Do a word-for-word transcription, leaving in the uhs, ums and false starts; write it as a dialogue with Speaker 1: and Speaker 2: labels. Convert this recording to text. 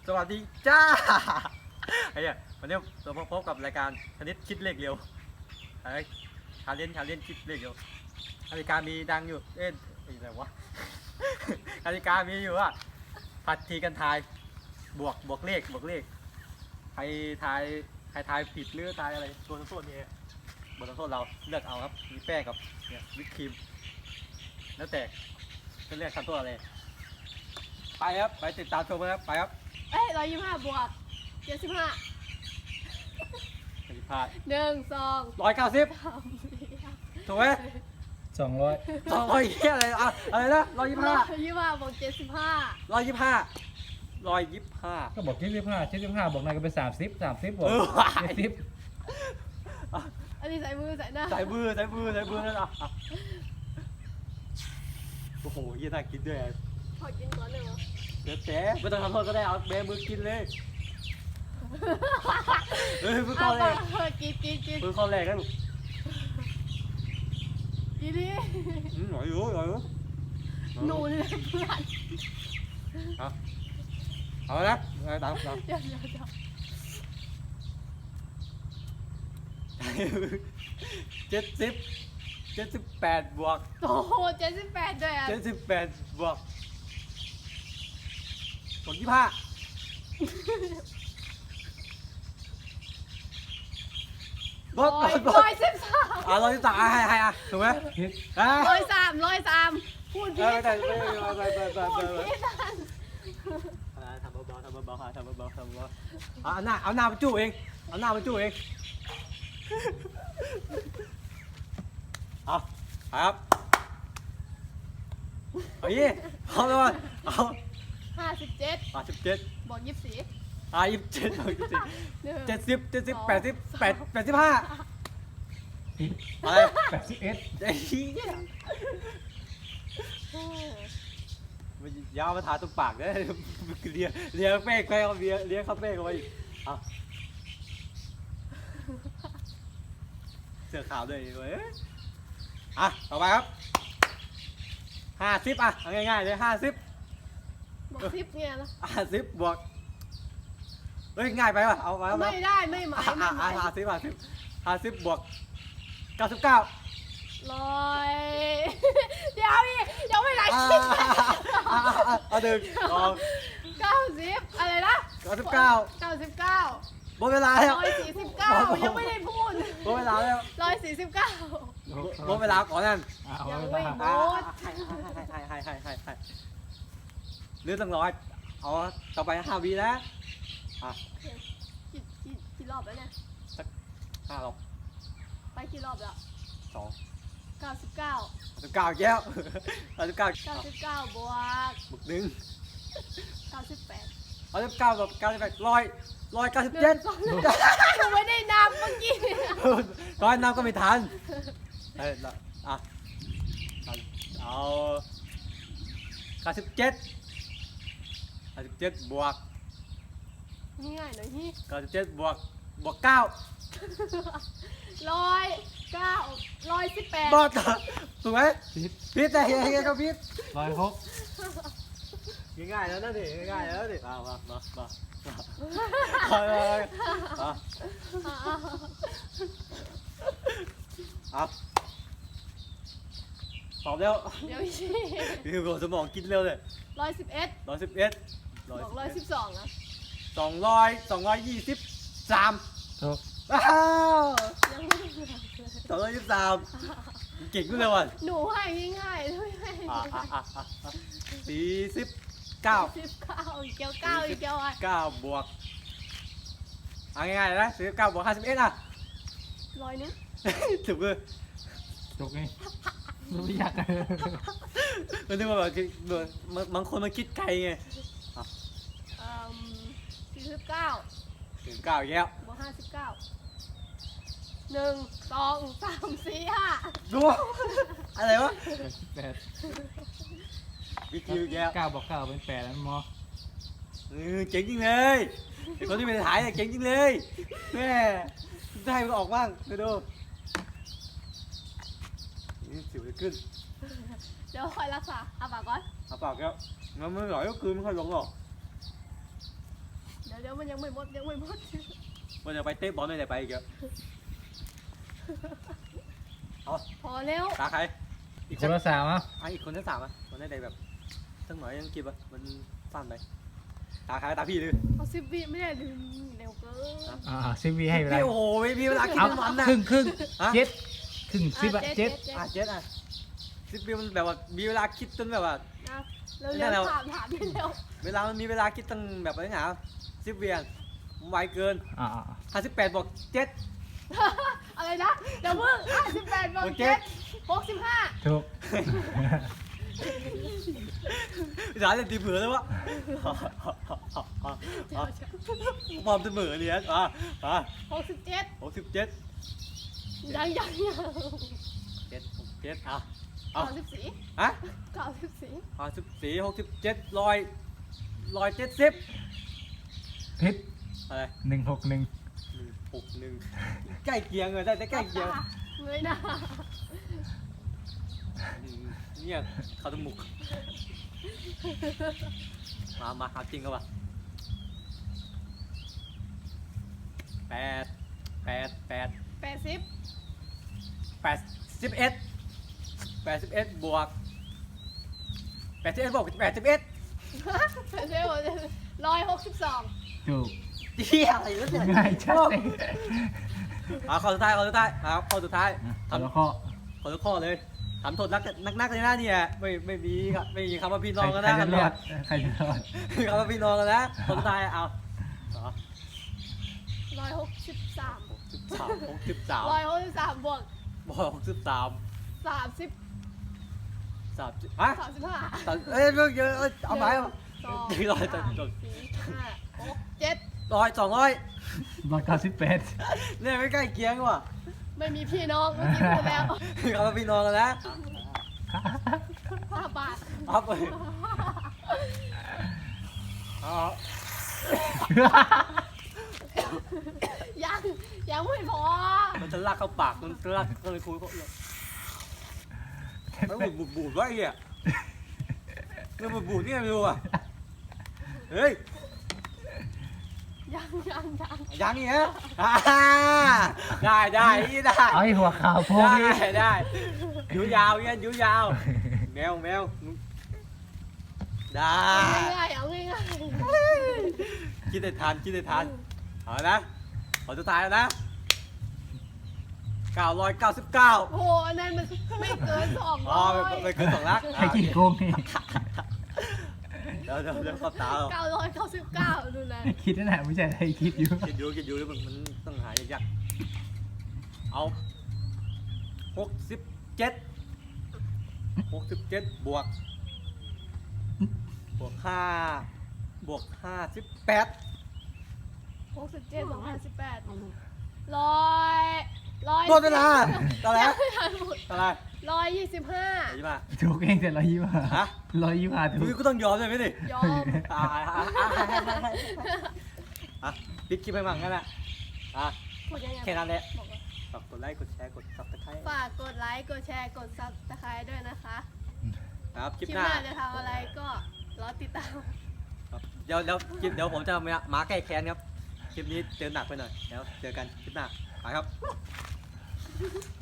Speaker 1: สวัสดีจ้าไอ้เนี่ยวันนี้เรามาพบกับรายการคณิตคิดเลขเร็วไอ้ชาเลนจ์ชาเลนจ์คิดเลขเร็วกติกามีดังอยู่เอ๊ะอะไรวะกติกามีอยู่ว่าผัดทีกันทายบวกบวกเลขบวกเลขใครทายใครทายผิดหรือทายอะไรตัวโทษนี่บทลงโทษเราเลือกเอาครับมีแป้งกับเนี่ยวิปครีมแล้วแต่จะเลือกทำโทษอะไรไปครับไปติดตามชมกันครับไปครับ
Speaker 2: เอ้ยร้อยยี่สิบห้าบวกเจ็ดสิบห้า
Speaker 1: ผิดพลาด
Speaker 2: หนึ่งสอง
Speaker 1: ร้อยเก้าสิบ
Speaker 2: สามสี่ห้า
Speaker 1: ถูกไหม
Speaker 3: สองร้อย
Speaker 1: สองร้อยเฮียอะไรอ่ะอะไรนะร้อยยี่สิบ
Speaker 2: ร้
Speaker 1: ห้า
Speaker 2: อยยี่สิบห้าบวกเจ็ดสิบห้า
Speaker 1: ร้อยยี่สิบห้าร้อยยี่สิบห้า
Speaker 3: ก็บอกเจ็ดสิบห้าเจ็ดสิบห้าบอกนายก็เป็นสามสิบสามสิบบอก
Speaker 1: เออว่ะ
Speaker 3: เจ็ดสิบ
Speaker 2: อันนี้ใส่มือใส่หน้า
Speaker 1: ใส่มือใส่มือใส่มือนั่นอ่ะอ่ะโอ้โหเฮียน่ากินด้วย
Speaker 2: ขอกินก่อนเลยเหรอ
Speaker 1: เดี๋ยวแต่ไม่ต้องทำโทษก็ได้เอาแบมือกินเลยเฮ้ยมือ
Speaker 2: เอา
Speaker 1: เข้า
Speaker 2: ไป
Speaker 1: แรก
Speaker 2: เออกินกินกิน
Speaker 1: มือเข้าแรกกันลูก
Speaker 2: กินดิ
Speaker 1: อืมหน่อยอยู่หน่อยอยู่
Speaker 2: หนูเลยเพื่อน
Speaker 1: เอาเอาละเอาตามตาม
Speaker 2: เดี๋ยวเดี๋ยวเดี๋ยว
Speaker 1: เจ็ดสิบเจ็ดสิบแปดบวก
Speaker 2: โอ้โหเจ็ดสิบแปดด้วยอ่ะ
Speaker 1: เจ็ดสิบแปดบวกบวกยี่สิบห้าบวก
Speaker 2: ร้อย
Speaker 1: บวก
Speaker 2: ร้อยสิบสาม
Speaker 1: อ่ะร้อยสิบสามอ่ะให้ให้อ่ะถูกไหม
Speaker 3: คิด
Speaker 1: อ่ะ
Speaker 2: ร้อยสามร้อยสามพูด
Speaker 1: เอ
Speaker 2: ผิ
Speaker 1: อ
Speaker 2: ด
Speaker 1: ไปไปไปไปไปไป
Speaker 2: พูด
Speaker 1: ไป
Speaker 2: ผิดอ่ะ
Speaker 1: อ่ะทำเบาๆทำเบาๆทำเบาๆทำเบาๆเอาหน้าเอาหน้าไปจู้เองเอาหน้าไปจู้เองเอาครับเอายี่เอาเลยเอา
Speaker 2: ห้าสิบเจ็ด
Speaker 1: อ่ะสิบเจ็ด
Speaker 2: บวกยี่สิบสี่
Speaker 1: อ่ะยี่สิบเจ็ดยี่สิบเจ็ด
Speaker 2: หนึ่ง
Speaker 1: เจ็ดสิบเจ็ดสิบแปดสิบแปดแปดสิบห้า
Speaker 3: คิด
Speaker 1: อะไร
Speaker 3: แปดสิบเอ็ด
Speaker 1: ไอ้เหี้ย
Speaker 2: เออ
Speaker 1: มันยาวมาทาตรงปากเลยเลียเลียเป้งไปเอาเลียเลียเข้าเป้งเอาไว้อีกเอาเสื้อขาวด้วยเว้ยอ่ะต่อไปครับห้าสิบอ่ะเอาง่ายๆเลยห้าสิบบ
Speaker 2: วกสิบเนี่ยนะ
Speaker 1: ห้าสิบบวกเฮ้ยง่ายไปป่ะเอาไปเอาไป
Speaker 2: ไม่ได้ไม่หมาย
Speaker 1: อ่ะ
Speaker 2: ไม่
Speaker 1: อ่ะ
Speaker 2: หมาย
Speaker 1: ห้าสิบห้าสิบห้าสิบบวกเก้าสิบเก้า
Speaker 2: ร้อยเดี๋ยวอีกยังไม่ได้
Speaker 1: อ่า
Speaker 2: คิด
Speaker 1: อ่าอ่าเอาหนึ่งสอง
Speaker 2: เก้าสิบอะไรนะ
Speaker 1: เก้าสิบเก้า
Speaker 2: เก้าสิบเก้า
Speaker 1: หมดเวลาแล้ว
Speaker 2: ร้อยสี่สิบเก้ายังไม่ได้พูด
Speaker 1: หมดเวลาแล้ว
Speaker 2: ร้อยสี่สิบเก้า
Speaker 1: หมดเวลาก่อนนั่น
Speaker 3: อ่ะเอา
Speaker 2: ยัง
Speaker 3: เว
Speaker 2: ไม่
Speaker 3: ลา
Speaker 2: หม
Speaker 1: อ่า
Speaker 2: ด
Speaker 1: ให้ให้ให้ให้ให้ให้ให้เลือดตั้งร้อยเอาต่อไปห้าวีนะอ่ะ
Speaker 2: กี่กี่กี่รอบแล้วเนี่ย
Speaker 1: ห้าหรอก
Speaker 2: ไปกี่รอบแล้ว
Speaker 1: สอง
Speaker 2: เก้าสิบเก้า
Speaker 1: สิบเก้าแก้วสิบเก้า
Speaker 2: เก้าสิบเก้าบวก
Speaker 1: บุกหนึ่ง
Speaker 2: เก้าสิบแปด
Speaker 1: เอาสิบเก้ากับเก้าสิบแปดร้อยร้อยเก้าสิบ
Speaker 2: ห
Speaker 1: เจ็
Speaker 2: นึ่
Speaker 1: ด
Speaker 2: งสองหนูไม่ได้นับเมื่อกี้
Speaker 1: ร้อยน้ำก็ไม่ทันเอ้ยอ่ะเอาเก้าสิบเจ็ดเก้าสิบเจ็ดบวก
Speaker 2: ง่ายๆหน่อยนี่
Speaker 1: เก้าสิบเจ็ดบวกบวกเก้า
Speaker 2: ร้อยเก้าร้อยสิบแปด
Speaker 1: บอสถูกไหม
Speaker 3: คิด
Speaker 1: พิษแต่เฮียเฮียก็พิษ
Speaker 3: ร้อยหก
Speaker 1: ง่ายๆแล้วนะดิง่ายๆแล้วดิมามามามามาเลยมาเอาตอบเร็ว
Speaker 2: เดี๋ยวชี้
Speaker 1: คือหัวสมองคิดเร็วเลย
Speaker 2: ร้อยสิบเอ็ด
Speaker 1: ร้อยสิบเอ็ด
Speaker 2: บวกร้อยสิบสองอ่ะ
Speaker 1: สองร้อยสองร้อยยี่สิบสาม
Speaker 3: ถูก
Speaker 1: ว้าว
Speaker 2: ยังไม่ได้บวกเลย
Speaker 1: สองร้อยยี่สิบสามเก่งขึ้นเลยว่ะ
Speaker 2: หนูให้ง่ายๆไม่ให้
Speaker 1: อ่ะอ่ะอ่ะอ่ะอ่ะสี่สิบเก้า
Speaker 2: สิบเก้าอีกเก้าเก้าอีกเก้าอ่ะ
Speaker 1: เก้าบวกเอาง่ายๆเลยนะสี่สิบเก้าบวกห้าสิบเอ็ดอ่ะ
Speaker 2: ร้อยนึง
Speaker 1: ถูกเลย
Speaker 3: ถูกไงไม่ยากเลย
Speaker 1: มันนึกว่าแบบเหมือนบางคนมันคิดไกลไง
Speaker 2: เอ่อสี่สิบเก้า
Speaker 1: ถึงเก้าอีกแล้ว
Speaker 2: บวกห้าสิบเก้าหนึ่งสองสามสี่ห้า
Speaker 1: ดูอะไรวะ
Speaker 3: แปด
Speaker 1: วิคิวอีกแล้ว
Speaker 3: เก้าบอกเก้าเป็นแปดแล้วมอ
Speaker 1: เออเจ๋งจริงเลยไอ้คนที่เป็นถ่ายเนี่ยเจ๋งจริงเลยแม่ได้มันออกบ้างไปดูนี่สิวจะขึ้น
Speaker 2: เดี๋ยวคอยรักษาเอาปากก่อน
Speaker 1: เอาปากแล้วมันไม่หล่อยก็คืนไม่ค่อยลงหรอก
Speaker 2: ยวเดี๋ยวมันยังไม่หมดยังไม่หมด
Speaker 1: มันจะไปเตะบอลไม่ได้ไปอีกเยอะเอา
Speaker 2: พอแล้ว
Speaker 1: ตาใครอีก
Speaker 3: ค
Speaker 1: สัก
Speaker 3: นละสามอ่ะ
Speaker 1: อ่ะอีกคนที่สามอ่ะมันได้ใดแบบตั้งหน่อยยังกินอ่ะมันสั้นไปตาใครตาพี่เลย
Speaker 2: เอาสิบวิไม่ได้ลืมเร็วเกิน
Speaker 3: อ่าสิบวิให้เวลา
Speaker 1: พี่โอ้โหไม่มีเวลากิน
Speaker 3: เอา
Speaker 1: มันนะ
Speaker 3: ครึ่งครึ่ง
Speaker 1: ฮะ
Speaker 3: เจ็ดครึ่งสิบอะเจ็ด
Speaker 1: อ่ะเจ็ดอ่ะสิบวิมันแบบว่ามีเวลาคิดจนแบบว่า
Speaker 2: นะเร็ว
Speaker 1: นั่นแหละ
Speaker 2: ๆถามถามเร็ว
Speaker 1: เวลามันมีเวลาคิดตั้งแบบอะไรหนาสิบเวียนไวเกิน
Speaker 3: อ่า
Speaker 1: ห้าสิบแปดบอกเจ็ด
Speaker 2: ๆอะไรนะเดี๋ยวเพิ่งห้าสิบแปดบวก
Speaker 1: โอเค
Speaker 2: เจ็ดหกสิบห้า
Speaker 3: ถูก
Speaker 1: ร้านจะตีเผือเลยวะมอมเสมอเนี่ยอ่ะอ่ะ
Speaker 2: หกสิบเจ็ด
Speaker 1: หกสิบเจ็ด
Speaker 2: ยังยังยัง
Speaker 1: เจ็ดหกเจ็ดอ่ะเอา
Speaker 2: เก้าสิบสี่
Speaker 1: ฮะ
Speaker 2: เก้าสิบสี่
Speaker 1: ห้าสิบสี่หกสิบเจ็ดร้อยร้อยเจ็ดสิบ
Speaker 3: พิษ
Speaker 1: อะไร
Speaker 3: หนึ่งหกหนึ่ง
Speaker 1: หนึ่งหกหนึ่งใกล้เคียงเลยได้แต่ใกล้เคียง
Speaker 2: เงยหน้า
Speaker 1: อืมเนี่ยเขาต้องหมุกมามาเอาจริงก็ป่ะแปดแปดแปด
Speaker 2: แปดสิบ
Speaker 1: แปดสิบเอ็ดแปดสิบเอ็ดบวกแปดสิบเอ็ดบวกแปดสิบเอ็ด
Speaker 2: เร็วร้อยหกสิบสอง
Speaker 3: ถูก
Speaker 1: เที่ยอะไรวะเนี่ย
Speaker 3: ง่ายชัดเลย
Speaker 1: เอาข้อสุดท้ายข้อสุดท้ายครับข้อสุดท้าย
Speaker 3: เอาละข้อ
Speaker 1: ข้อทุกข้อเลยทำโทษนักนักนักเลยนะเนี่ยไม่ไม่มีครับไม่มีคำว่าพี่น้องกัน
Speaker 3: ใคร
Speaker 1: นะ
Speaker 3: จะรอดใครจะรอด
Speaker 1: มีคำว่าพี่น้องกันนะข้อสุดท้ายเอาอ๋อ
Speaker 2: ร้อยหกสิบสาม
Speaker 1: หกสิบสามหกสิบสาม
Speaker 2: ร้อยหกสิบสามบวก
Speaker 1: บวกหกสิบสาม
Speaker 2: สามสิบ
Speaker 1: สามสิบฮะ
Speaker 2: สามสิบห้า
Speaker 1: สามเอ้ยเรื่องเยอะเอ้ยเอาไหมเอา
Speaker 2: สอง
Speaker 1: ดีร้อยจน
Speaker 2: สาม
Speaker 1: จน
Speaker 2: สี่ห้าหกเจ็ด
Speaker 1: ร้อยสองร้อย
Speaker 3: ร้อยเก้าสิบแปด
Speaker 1: เนี่ยไม่ใกล้เคียงว่ะ
Speaker 2: ไม่มีพี่น้องเมื่อกี้พูดแล้ว
Speaker 1: มีคำว่าพี่น้องกันนะ
Speaker 2: ห้าบาท
Speaker 1: เอาไปเอา
Speaker 2: ยังยังไม่พอ
Speaker 1: มันจะลากเข้าปากมันจะลากก็เลยคุยก็เลยมันบูดบูดบูดวะไอ้เหี้ยมันบูดบูดนี่ไม่รู้อ่ะเฮ้ย
Speaker 2: ยังยังยัง
Speaker 1: ยังอีกฮะอ่าได้ได้นี่ได้
Speaker 3: เอาให้หัวขาวโพก
Speaker 1: ได้
Speaker 3: นี่
Speaker 1: ได้ยูยาวเงี้ยยูยาวแมวแมวได้
Speaker 2: เอาง่ายๆเอาง่าย
Speaker 1: คิดได้ทันคิดได้ทันเอานะขอสุดท้ายแล้วนะเก้าร้อยเก้าสิบเก้า
Speaker 2: ๆโอ้โหอันนั้นมันไม่เกินสอง
Speaker 1: อ๋อ
Speaker 2: ร้อย
Speaker 1: ไปไปขึ้นสองลัก
Speaker 3: ใครกินโกงนี่
Speaker 1: เดี๋ยวเดี๋ยวเดี๋ยวขอบตาเรา
Speaker 2: เก้าร้อยเก้าสิบเก้าดูนะ
Speaker 3: คิดนั่นแหละไม่ใช่ใครคิดอยู่
Speaker 1: คิดดูคิดดูแล้วมันมันต้องหายากๆเอาหกสิบเจ็ดหกสิบเจ็ดบวกบวกห้าบวกห้าสิบแปด
Speaker 2: หกสิบเจ็ดบวกห้าสิบแปดร้อยร้อย
Speaker 1: หมดเวลาตอนแรก
Speaker 2: ไม่ทันหมด
Speaker 1: ตอนแรก
Speaker 2: ร้อยยี่สิบห้า
Speaker 1: ไหนมา
Speaker 3: ถูกเองแต่ร้อยยี่สิบห้า
Speaker 1: ฮะ
Speaker 3: ร้อยยี่สิบห้าถู
Speaker 1: อุ้ย
Speaker 3: ก
Speaker 1: ก็ต้องยอมเลยไหมนี่
Speaker 2: ยอม
Speaker 1: อ่าอ่าอ่าอ่าอ่ะปิดคลิปไปมั่งงั้นแหละอ่ะ
Speaker 2: กดยังไง
Speaker 1: แค่นั้นแหละ
Speaker 2: บอกว่า
Speaker 1: ฝากกดไลค์กดแชร์กดซับสไครต์
Speaker 2: ฝากกดไลค์ กดแชร์ กดซับสไครต์ด้วยนะคะ
Speaker 1: ครับคลิป
Speaker 2: คลิป
Speaker 1: ห
Speaker 2: ห
Speaker 1: น้า
Speaker 2: น้าจะทำอะไรก็รอติดตาม
Speaker 1: ครับเดี๋ยวเดี๋ยวคลิปเดี๋ยวผมจะมามาแก้แค้นครับคลิปนี้เจอหนักไปหน่อยเดี๋ยวเจอกันคลิปหน้าไปครับ